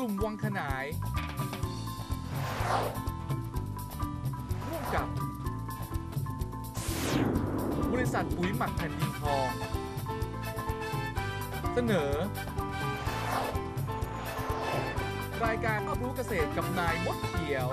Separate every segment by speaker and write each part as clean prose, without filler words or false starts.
Speaker 1: ลุ่มวังขนายร่วมกับบริษัทปุ๋ยหมักแผ่นดินทองเสนอรายการรอบรู้เกษตรกับนายมดเขียว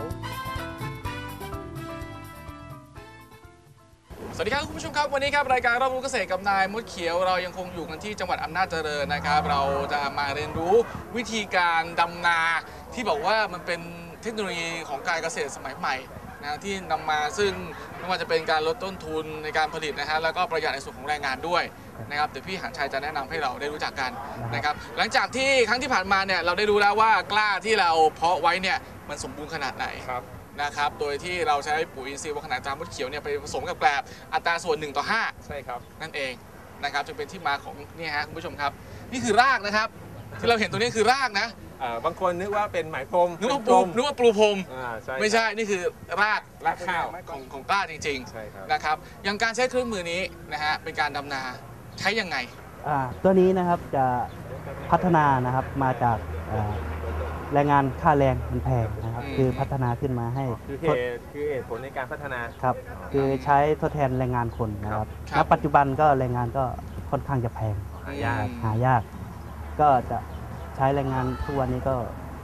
Speaker 1: สวัสดีครับคุณผู้ชมครับวันนี้ครับรายการรอบรู้เกษตรกับนายมดเขียวเรายังคงอยู่กันที่จังหวัดอำนาจเจริญนะครับเราจะมาเรียนรู้วิธีการดำนาที่บอกว่ามันเป็นเทคโนโลยีของการเกษตรสมัยใหม่นะที่นำมาซึ่งไม่ว่าจะเป็นการลดต้นทุนในการผลิตนะฮะแล้วก็ประหยัดในส่วนของแรงงานด้วยนะครับเดี๋ยวพี่หานชัยจะแนะนำให้เราได้รู้จักกันนะครับหลังจากที่ครั้งที่ผ่านมาเนี่ยเราได้รู้แล้วว่ากล้าที่เราเพาะไว้เนี่ยมันสมบูรณ์ขนาดไหนนะครับโดยที่เราใช้ปุ๋ยอินทรีย์วังขนายตรามดเขียวเนี่ยไปผสมกับแกลบอัตราส่วน1:5ใช่ครับนั่นเองนะครับจึงเป็นที่มาของนี่ฮะคุณผู้ชมครับนี่คือรากนะครับที่เราเห็นตัวนี้คือรากนะ
Speaker 2: บางคนนึกว่าเป็นไหมพรม
Speaker 1: นึกว่าปลูพรมไม่ใช่นี่คือราก
Speaker 2: ข้าว
Speaker 1: ของกล้าจริงๆนะครับอย่างการใช้เครื่องมือนี้นะฮะเป็นการดำนาใช้ยังไง
Speaker 3: ตัวนี้นะครับจะพัฒนานะครับมาจากแรงงานค่าแรงมันแพงนะครับคือพัฒนาขึ้นมาให้
Speaker 2: คือเหตุผลในการพัฒนา
Speaker 3: ครับคือใช้ทดแทนแรงงานคนนะครับณปัจจุบันก็แรงงานก็ค่อนข้างจะแพงหายากก็จะใช้แรงงานทุกวันนี้ก็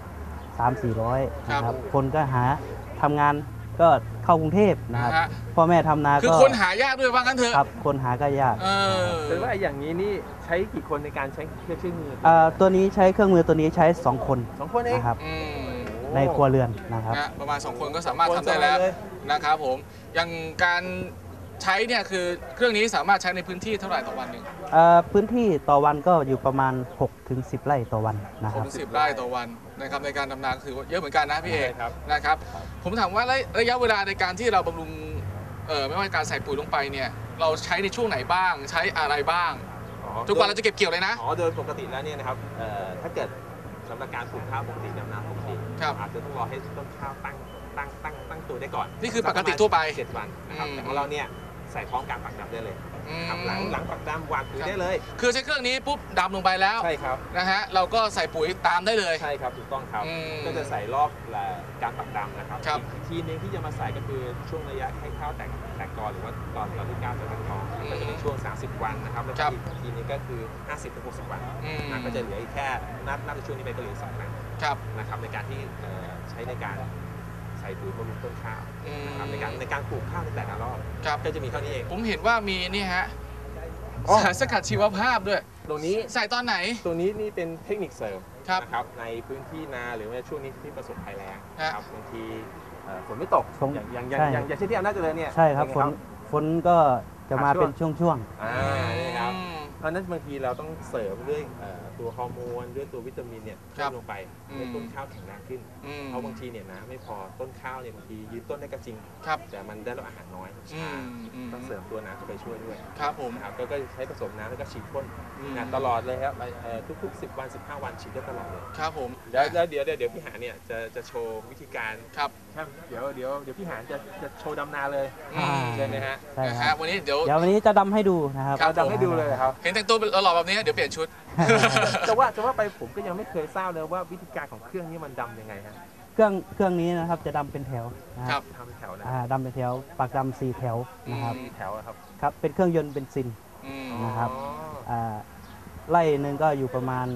Speaker 3: 300-400นะครับคนก็ทำงานก็เข้ากรุงเทพนะครับพ่อแม่ทำนาก็
Speaker 1: คือคนหายากด้วยว่างั้นเถอะ
Speaker 3: ครับคนหาก็ยาก
Speaker 2: แต่ว่าอย่างนี้นี่ใช้กี่คนในการใช้เครื่องมือ
Speaker 3: ตัวนี้ใช้เครื่องมือตัวนี้ใช้2 คน
Speaker 2: เอง
Speaker 3: นะครับในครัวเรือนนะครับ
Speaker 1: ประมาณ2 คนก็สามารถทำได้แล้วนะครับผมอย่างการใช้เนี่ยคือเครื่องนี้สามารถใช้ในพื้นที่เท่าไหร่ต่อวันหนึ่ง
Speaker 3: พื้นที่ต่อวันก็อยู่ประมาณ6-10 ไร่ต่อวันนะครับ
Speaker 1: 6-10 ไร่ต่อวันนะครับในการดำนาถือว่าเยอะเหมือนกันนะพี่เอกนะครับผมถามว่าระยะเวลาในการที่เราบำรุงไม่ว่าการใส่ปุ๋ยลงไปเนี่ยเราใช้ในช่วงไหนบ้างใช้อะไรบ้างจนกว่าเราจะเก็บเกี่ยวเลยนะ
Speaker 2: โดยปกติแล้วเนี่ยนะครับถ้าเกิดสำหรับการปลูกข้าวปกติดำนาปกติอาจจะต้องรอให้ต้นข้าวตั้งตัวได้ก่อน
Speaker 1: นี่คือปกติทั่วไป
Speaker 2: 7 วันนะครับแต่ของเราเนี่ยใส่พร้อมการปักดำได้เลยหลังปักดำวางปุ๋ยได้เลย
Speaker 1: คือใช้เครื่องนี้ปุ๊บดำลงไปแล้ว
Speaker 2: ใช่ครับ
Speaker 1: นะฮะเราก็ใส่ปุ๋ยตามได้เลย
Speaker 2: ใช่ครับถูกต้องครับก็จะใส่รอบการปักดำนะครับอีกทีนึงที่จะมาใส่ก็คือช่วงระยะให้ข้าวแตกกอหรือว่าตอนที่ก้าวจะตั้งกอก็จะเป็นช่วง30 วันนะครับแล้วอีกทีนึงก็คือ50-60 วันก็จะเหลือแค่นับในช่วงนี้ไปก็เหลือ2 ครั้งนะครับในการที่ใช้ในการใส่ปุ๋ยบำรุงต้นข้าวนะครับในการปลูกข้าวในแต่ละรอบก็จะมีเท่านี้เอง
Speaker 1: ผมเห็นว่ามีนี่ฮะสารสกัดชีวภาพด้วย
Speaker 2: ตรงนี้
Speaker 1: ใส่ตอนไหน
Speaker 2: ตรงนี้นี่เป็นเทคนิคเสริมนะครับในพื้นที่นาหรือว่าช่วงนี้ที่ประสบภัยแล้งครับบางทีฝนไม่ตกอย่างเช่นที่อำนาจเจริญเนี่ย
Speaker 3: ใช่ครับฝนก็จะมาเป็นช่วง
Speaker 2: นี่ครับเพราะนั้นบางทีเราต้องเสริมด้วยตัวฮอร์โมนด้วยตัววิตามินเนี่ยเพิ่มลงไปให้ต้นข้าวแข็งแรงขึ้นเพราะบางทีเนี่ยนะไม่พอต้นข้าวเนี่ยบางทียืนต้นได้ก็จริงแต่มันได้รับอาหารน้อยต้องเสริมตัวน้ำเข้าไปช่วยด้วย
Speaker 1: ครับผม
Speaker 2: ครับก็ใช้ผสมน้ำแล้วก็ฉีดพ่นตลอดเลยครับทุกๆ10 วัน 15 วันฉีดได้ตลอดเลย
Speaker 1: ครับผม
Speaker 2: แล้วเดี๋ยวพี่หาเนี่ยจะโชว์วิธีการ
Speaker 1: ครับ
Speaker 2: เดี๋ยวพี่หาจะโชว์ดำนาเลยใช่ไหมฮะ
Speaker 3: ใช่ครับ
Speaker 1: วันนี้เดี๋ยว
Speaker 3: วันนี้จะดำให้ดูนะครับ
Speaker 2: ดำให้ดูเลยครับ
Speaker 1: เห็นแต่งตัวหล่อแบบนี้เดี๋ยวเปลี่ยนชุด
Speaker 2: จะว่าไปผมก็ยังไม่เคยทราบเลยว่าวิธีการของเครื่องนี้มันดำยังไงฮะ
Speaker 3: เครื่องนี้นะครับจะดำเป็นแถว
Speaker 1: นะครับ
Speaker 2: ทำแถวนะ
Speaker 3: ดำเป็นแถวปักดำ4 แถวนะครับ
Speaker 2: 4 แถวครับ
Speaker 3: ครับเป็นเครื่องยนต์เบนซินนะครับไร่หนึ่งก็อยู่ประมาณ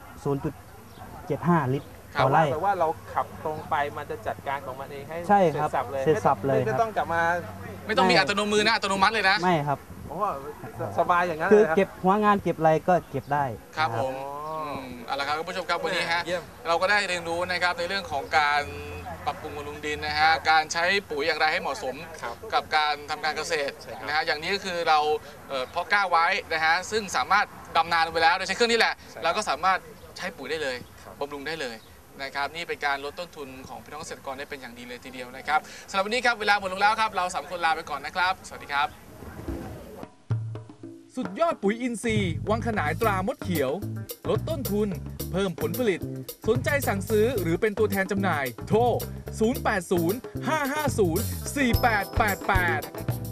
Speaker 3: 0.75 ลิตรต่อไร่
Speaker 2: แปลว่าเราขับตรงไปมันจะจัดการของมันเองให้
Speaker 3: ใช่ครับเสร็จสับเลย
Speaker 2: ไม่ต้องกลับมา
Speaker 1: ไม่ต้องมีอัตโนมือนะอัตโนมัติเลยนะ
Speaker 3: ไม่ครับ
Speaker 2: เพราะว่าสบายอย่างนั้น
Speaker 3: คือเก็บหัวงานเก็บอะไรก็เก็บได้
Speaker 1: ครับผมเอาละครับคุณผู้ชมครับวันนี้ฮะเราก็ได้เรียนรู้นะครับในเรื่องของการปรับปรุงบำรุงดินนะฮะการใช้ปุ๋ยอย่างไรให้เหมาะสมกับการทำการเกษตรนะฮะอย่างนี้ก็คือเราเพาะกล้าไว้นะฮะซึ่งสามารถดำนาลงไปแล้วโดยใช้เครื่องนี้แหละเราก็สามารถใช้ปุ๋ยได้เลยบำรุงได้เลยนะครับนี่เป็นการลดต้นทุนของพี่น้องเกษตรกรได้เป็นอย่างดีเลยทีเดียวนะครับสำหรับวันนี้ครับเวลาหมดลงแล้วครับเรา3 คนลาไปก่อนนะครับสวัสดีครับสุดยอดปุ๋ยอินทรีย์วังขนายตรามดเขียวลดต้นทุนเพิ่มผลผลิตสนใจสั่งซื้อหรือเป็นตัวแทนจำหน่ายโทร 080 550 4888